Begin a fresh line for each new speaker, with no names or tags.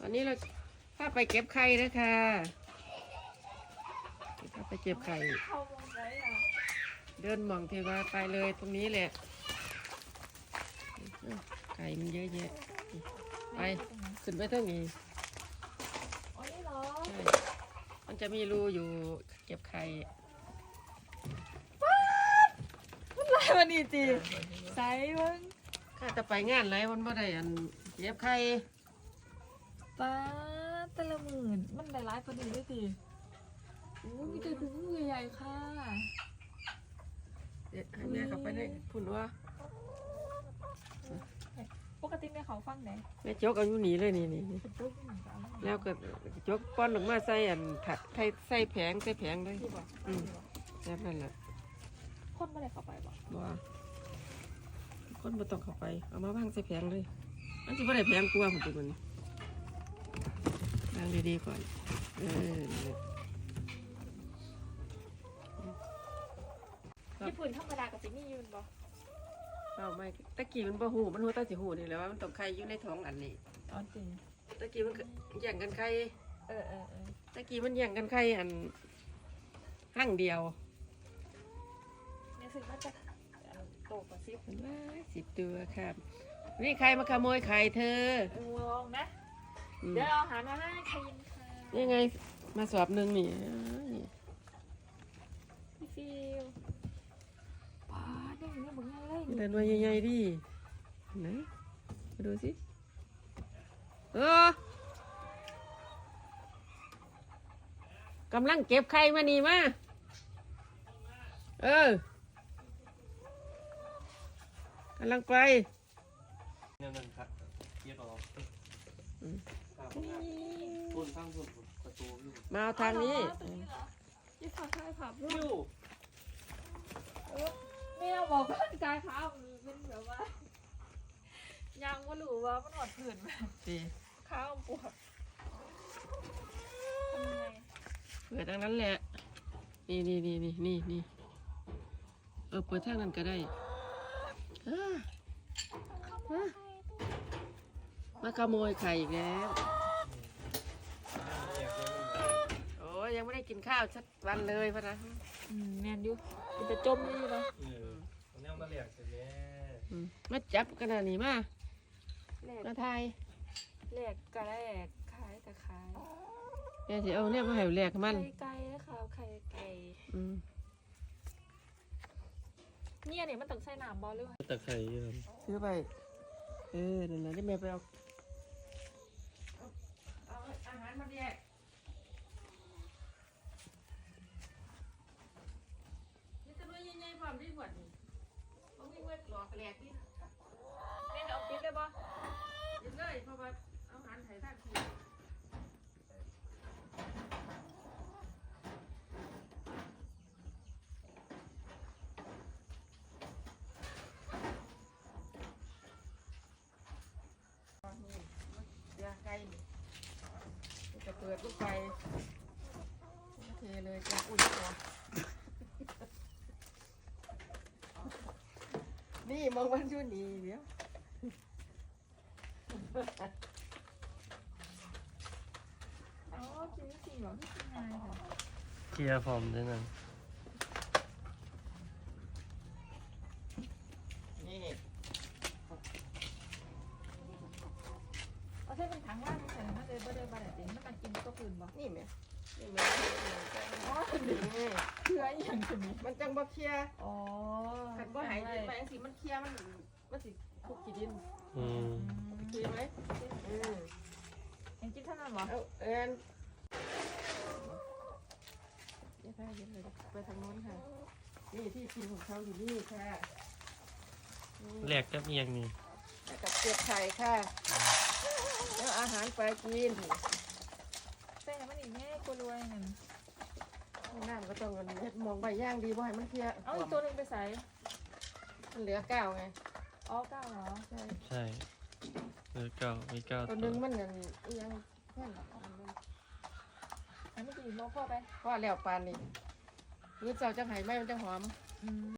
วันนี้เราพาไปเก็บไข่นะคะพาไปเก็บไข่เดินมองเทวาไปเลยตรงนี้แหละไข่มันเยอะแยะไปขึ้นไปเท่านี้
อ๋อนี่เหรอ
ใช่มันจะมีรูอยู่เก็บไข่
มันลายมันดีจีใส่มึง
ข้าจะไปงานไรวันบ่ได้อันเก็บไข่
ป้าแต่ละหมื่นมันได้ร้ายพอดีด้วยสิโอ้มีแต่ถุงมือใหญ่ๆค่ะ
เด็ดให้แม่กลับไปได้พุ่นว่า
ปกติแม่เขาฟังไหน
แม่จกเอาอยู่หนีเลยนี่แล้วก็จกป้อนออกมาใส่อันใส่แผงเลยแบบนั้นแหละ
คนไม่ได้เข้าไปบ่
บ่คนบ่ต้องเข้าไปเอามาวางใส่แผงเลยมันสิบ่ได้แผงกลัวผมตัวมันวางดีๆก่อน
ญี่ปุ่นธรรมดากับซินี่ยืนบ่
เอาไม่ตะกี้มันบ่หูมันหูตาสิหูนี่แหละว่ามันต้องไข่อยู่ในท้องอันนี้
อ๋อจริง
ตะกี้มันแย่งกันไข่
เออ
ตะกี้มันแย่งกันไข่อันหั่งเดียว
เนี่ยสึกว่าจะโตกว่า
10ตัวครับนี่ใครมาขโมยไข่เธอ
ลองนะเดี๋ยวเอาอาหารมาให้ใครยินค่ะ
นี่ไงมาสอบหนึ่งนี่
พี่ฟิวป้าเนี่ยมึงไงเลย
เดินมาใหญ่ๆดิไหนมาดูสิกำลังเก็บไข่มานี่มากำลังไป
เนี่ยมันครับเย็บเอาต้นข้างต้นประตูอยู่
มาเอาทางนี้
ยี่ขาใช่ผับลูกไม่เอาบอกร่างกายขาเป็นแบบว่ายังว่าหรือว่ามันหอดผื่นขาปวดทำไง
เปิดทางนั้นแหละนี่เปิดทางนั้นก็ได้มาขโมยไข่อีกแล้วโอ้ยยังไม่ได้กินข้าวสักวันเลยพะนะ
แมนยูมันจะจมนี่เนาะ
เนี่ยมาเหลียกเสร็จแล้ว
มาจับกันนี่มาไทย
แหลกกะแหลกขายกะขาย
เนี่ยสิเอาเนี่ยมาให้แหลกมัน
ไก่นะคะไข่ไก่เนี่ยมันต้องใส่น้ำบอลหรือว่า
ตะไคร้ครับ
ซื้อไปนั่นแหละที่แม่ไปเอาอาหารมาแยกนี่จะด้วยยังไงความที่หวดนี่ต้องวิ่งเวทหลอกแหลกนี่
เนี่ยเอาปิดเลยบ่
ยินเลยเพราะว่าอาหารไทยท่าทีไก่จะเปิดลูกไฟเทเลยจะอุ่นตัวนี่มองวันชุดนี้เดี๋ยว
อ๋อกินสิหรอที่กินไงค่ะ
เคลียร์ฟอร์มด้วยนั่น
นี่
เอาเส้นเป็นถังว่างใส่มาเลยบ่ได้บ่ได้จริงมันมากินก็คืนบ่
นี่ไหมนี่ไหม
อ๋อเชื่ออย่างนี้
มันจังบ่เคลีย
อ๋อ
ขันบ่หายดินไปสิมันเคลียมันสิคุกขี้ดินเคลียไหม
ยังกินเท่านั้นเหรอ
นี่ค่ะเย็นเลยไปทางโน้นค่ะนี่ที่กินของเขาอยู่นี่ค่ะ
แหลกกับเอียงนี่
กับเก็บไข่ค่ะแล้วอาหารไปกิน
ใส่มันอีกแม่กูรวยเงิน
น้ำก็ต้องเฮ็ดมองใบย่างดีบ่ให้มันเคลีย
เอาอีกตัวนึงไปใส่
มันเหลือ9ไง
อ๋อ9เหรอ
ใช่เหลือ9มี9
ตัวนึงมันยังแค่
อันนี้กินโลพ่อไป
พ่อแล้วปานนี่มื้อเช้าจังไห้ไหมมันจังหอม